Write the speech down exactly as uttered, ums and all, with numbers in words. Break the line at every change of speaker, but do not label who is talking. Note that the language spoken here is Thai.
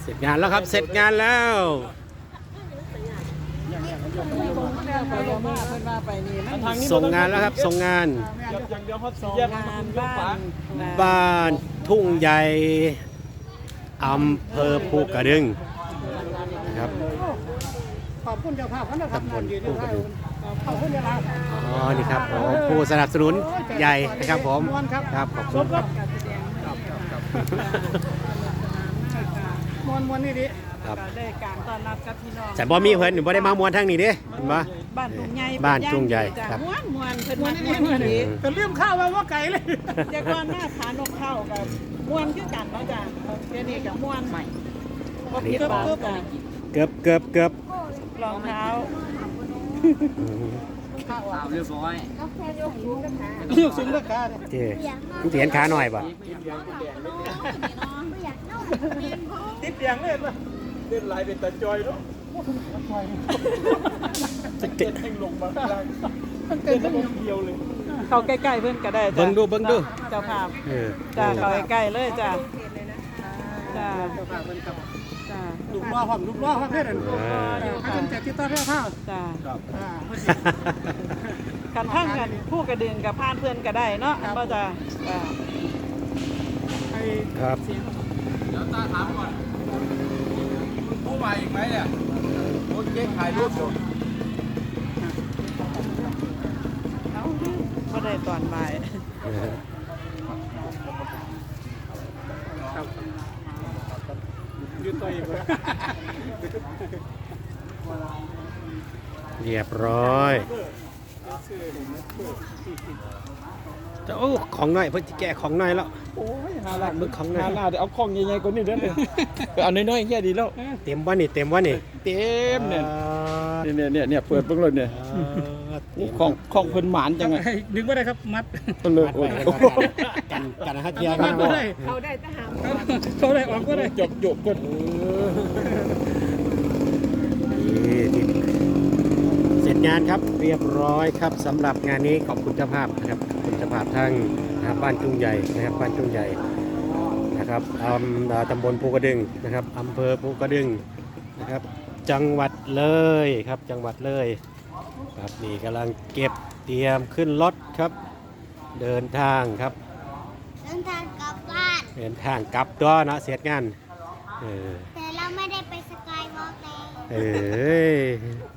เสร็จงานแล้วครับเสร็จงานแล้วส่งงานแล้วครับส่งงานบ้านทุ่งใหญ่อำเภอภูกระดึงนะครับ
ขอบคุณเจ้าภาพเขานะครับ
ตำบลภูกระดึง
ขอบคุณเจ้าภาพ
อ๋อนี่ครับผมผู้สนับสนุนใหญ่นะครับผมครับขอบคุณครับ
มวนมวนนี่ดิ
ครับ
ได้การต้อนรับกับพี่น้อง
ฉันบ่มีเพิ่นหนูบ่ได้มามวนทางนี้เด้เห็นบ่
บ้านทุ่งใหญ่
บ้านทุ่งใหญ่ครับ
ม้วนม้วนเพิ่น
มว
มาน
นี่
ม้วน
ดิ
ดี
แต่เรื่องข้าวว่าว่าไก่เลย
แต่ก่อนหน้าผานกเข้ากับม้วนคือกันเนาะจ้ะเดี๋ยวนี้กับม้วนใหม่ก็ผิดบาทจ้ะ
เกือบเกือบเกือบ
รองเท้า
เรียบร้อย
เรื่องสูงราคาเนี่ย
เจ้มึงเสียนขาหน่อยป่ะ
ติดเตียงเลยป่ะ
เล่นลายเป็นตาจอยเนาะเก็ตแห่งลงมาล่าง
มันเกินไป
เดียวเลย
เข้าใกล้ๆเพิ่นก็ได้จ้ะ
เบิ่งดูเบิ่งดู
เจ้าภาพ
เออ
จ้ะเข้าใกล้ๆเลยจ้ะจ้ะจ้ะ
ลูกล้อความลูกล้อความเพื่อนให้คนแจกที่ต้อนเรื่องข้าว
จ้ะ
อ่า
กันทั้งกันผู้กระดึงกับพานเพื่อนก็ได้เนาะก็จะจ้ะ
ไอ้
ครับ
เดี๋ยวตาถามก่อนผู้มาอีกไหมเนี่ยรถเก๊กถ่ายรูปอยู่
ก็ได้ตอนบ่าย
เออ
ยืนตัวเองเลย
เรียบร้อยจะโอ้ของหน่อยเพิ่นสิแกะของหน่อยแล้ว
โอ้ยหาลาด
มึกของหน่อย
หาลาดเอาของใหญ่ๆกว่านี้เด้อเลยไปเอาน้อยๆแค่ดีแล้ว
เต็มบ่นี่เต็มบ่นี่
เต็มเนี่ย
อ่า
เนี่ยเนี่ยเนี่ยเปิดเบิ่งเลยเนี่ย
อ่าเต็ม
ของของเพิ่นหมานจังไง
ดึงไม่ได้ครับมัด
เพิ่นเลยโอ้ย
กันกันนะฮะเทีย
มั
กั
ด
น
ก็
บ่
ได้
เขาได้ทหาร
เขาได้ออกก็ได้
จบจบกด
นี่ที่เสร็จงานครับเรียบร้อยครับสำหรับงานนี้ขอบคุณเจ้าภาพนะครับขอบคุณเจ้าภาพทั้งนะครับบ้านจุงใหญ่นะครับบ้านจุงใหญ่นะครับอำตำบลภูกระดึงนะครับอำเภอภูกระดึงนะครับจังหวัดเลยครับจังหวัดเลยครับนี่กำลังเก็บเตรียมขึ้นรถครับ เดินทางครับ
เดินทางกลับบ้าน
เดินทางกลับตัวเนาะเสร็จงานเออ
แต่เราไม่ได้ไปสกายวอล์กเลย
เอ้ย